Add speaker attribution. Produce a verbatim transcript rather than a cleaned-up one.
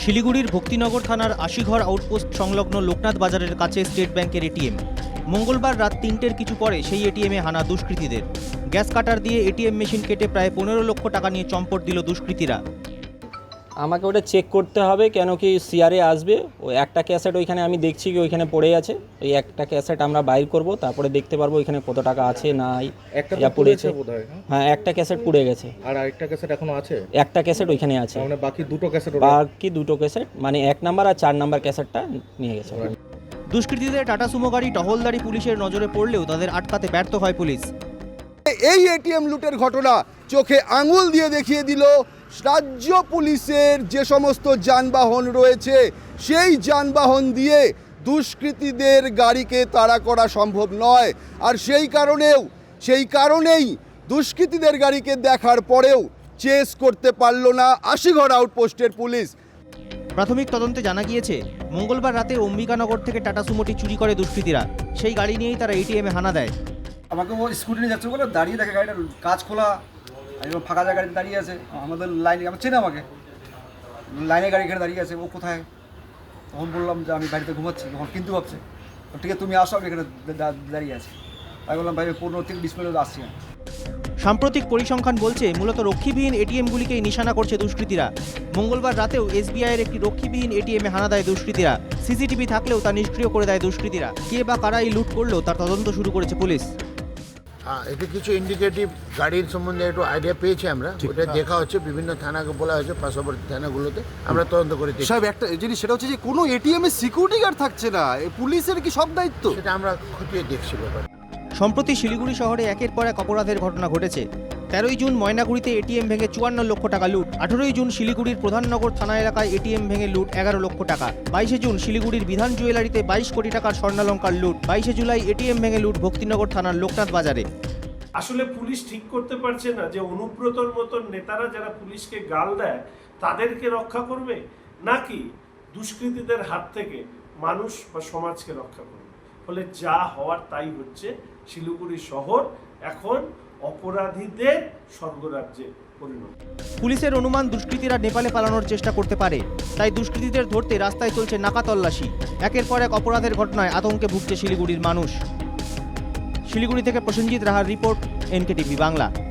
Speaker 1: শিলিগুড়ির ভক্তিনগর থানার আশিঘর আউটপোস্ট সংলগ্ন লোকনাথ বাজারের কাছে স্টেট ব্যাংকের এটিএম। মঙ্গলবার রাত তিনটের কিছু পরে সেই এটিএমে হানা দুষ্কৃতীদের। গ্যাস কাটার দিয়ে এটিএম মেশিন কেটে প্রায় পনেরো লক্ষ টাকা নিয়ে চম্পট দিল দুষ্কৃতীরা।
Speaker 2: আমাকে ওটা চেক করতে হবে, কেন কি সিআরএ আসবে। ওই একটা ক্যাসেট ওইখানে আমি দেখছি কি ওইখানে পড়ে আছে, ওই একটা ক্যাসেট আমরা বাইর করব, তারপরে দেখতে পারবো ওইখানে কত টাকা আছে না
Speaker 3: একটা
Speaker 2: যা পড়েছে।
Speaker 3: বোধহয়
Speaker 2: হ্যাঁ, একটা ক্যাসেট পুড়ে গেছে,
Speaker 3: আর আরেকটা ক্যাসেট এখনো আছে।
Speaker 2: একটা ক্যাসেট ওইখানে আছে,
Speaker 3: মানে বাকি দুটো ক্যাসেট
Speaker 2: বাকি দুটো ক্যাসেট মানে এক নাম্বার আর চার নাম্বার ক্যাসেটটা নিয়ে গেছে।
Speaker 1: দুষ্কৃতীদের টাটা সুমো গাড়ি টহলদারি পুলিশের নজরে পড়লেও তাদের আটকাতে ব্যর্থ হয় পুলিশ।
Speaker 4: এই এটিএম লুটের ঘটনা চোখে আঙুল দিয়ে দেখিয়ে দিল রাজ্য পুলিশের যে সমস্ত যানবাহন রয়েছে সেই যানবাহন দিয়ে দুষ্কৃতীদের গাড়িকে তাড়া করা সম্ভব নয়। আর সেই কারণেও সেই কারণেই দুষ্কৃতীদের গাড়িকে দেখার পরেও চেস করতে পারল না আশিঘর আউটপোস্টের পুলিশ।
Speaker 1: প্রাথমিক তদন্তে জানা গিয়েছে মঙ্গলবার রাতে অম্বিকানগর থেকে টাটা সুমোটি চুরি করে দুষ্কৃতীরা। সেই গাড়ি নিয়েই তারা এটিএমে হানা দেয়।
Speaker 5: আমাকে ও স্কুটি নিয়ে যাচ্ছে বলে দাঁড়িয়ে দেখে গাড়িটার কাজ খোলা, একদম ফাঁকা জায়গায় দাঁড়িয়ে আছে। আমাদের লাইনে আমার চেনে আমাকে, লাইনে গাড়ি এখানে দাঁড়িয়ে আছে, ও কোথায়? তখন বললাম যে আমি বাড়িতে ঘুমাচ্ছি। তখন কিন্তু ভাবছে ঠিক আছে তুমি আসো, আমি এখানে দাঁড়িয়ে আছি। তাই বললাম ভাই পনেরো থেকে বিশ মিনিট আসছি না।
Speaker 1: সাম্প্রতিক পরিসংখ্যান বলছে মূলত রক্ষীবিহীন এটিএমগুলিকেই নিশানা করছে দুষ্কৃতীরা। মঙ্গলবার রাতেও এসবিআইয়ের একটি রক্ষীবিহীন এটিএমে হানা দেয় দুষ্কৃতীরা। সিসিটিভি থাকলেও তা নিষ্ক্রিয় করে দেয় দুষ্কৃতীরা। কে বা কারাই লুট করলো তার তদন্ত শুরু করেছে পুলিশ।
Speaker 6: হ্যাঁ, এটা কিছু ইন্ডিকেটিভ গাড়ির সম্বন্ধে একটু আইডিয়া পেয়েছি আমরা, ওটা দেখা হচ্ছে, বিভিন্ন থানাকে বলা হয়েছে, পার্শ্ববর্তী থানাগুলোতে আমরা তদন্ত করে দেখি।
Speaker 7: সাহেব একটা জিনিস সেটা হচ্ছে যে কোনো এটিএম এ সিকিউরিটি গার্ড থাকছে না, পুলিশের কি সব দায়িত্ব?
Speaker 6: সেটা আমরা খতিয়ে দেখছি ব্যাপার।
Speaker 1: সম্প্রতি শিলিগুড়ি শহরে একের পর এক অপরাধের ঘটনা ঘটেছে। তেরোই জুন ময়নাগুড়িতে এটিএম ভেঙে চুয়ান্ন লক্ষ টাকা লুট। আঠেরোই জুন শিলিগুড়ির প্রধাননগর থানা এলাকায় এটিএম ভেঙে লুট এগারো লক্ষ টাকা। বাইশে জুন শিলিগুড়ির বিধান জুয়েলারিতে বাইশ কোটি টাকার স্বর্ণালঙ্কার লুট। বাইশে জুলাই এটিএম ভেঙে লুট ভক্তিনগর থানার লোকনাথ বাজারে।
Speaker 8: আসলে পুলিশ ঠিক করতে পারছে না যে অনুব্রতর মতন নেতারা যারা পুলিশকে গাল দেয় তাদেরকে রক্ষা করবে, নাকি দুষ্কৃতীদের হাত থেকে মানুষ বা সমাজকে রক্ষা করবে। ফলে যা হওয়ার তাই হচ্ছে। শিলিগুড়ি শহর এখন অপরাধীদের স্বর্গরাজ্যে পরিণত।
Speaker 1: পুলিশের অনুমান দুষ্কৃতীরা নেপালে পালানোর চেষ্টা করতে পারে, তাই দুষ্কৃতীদের ধরতে রাস্তায় চলছে নাকা তল্লাশি। একের পর এক অপরাধের ঘটনায় আতঙ্কে ভুগছে শিলিগুড়ির মানুষ। শিলিগুড়ি থেকে প্রসেনজিৎ রাহার রিপোর্ট, এনকে টিভি বাংলা।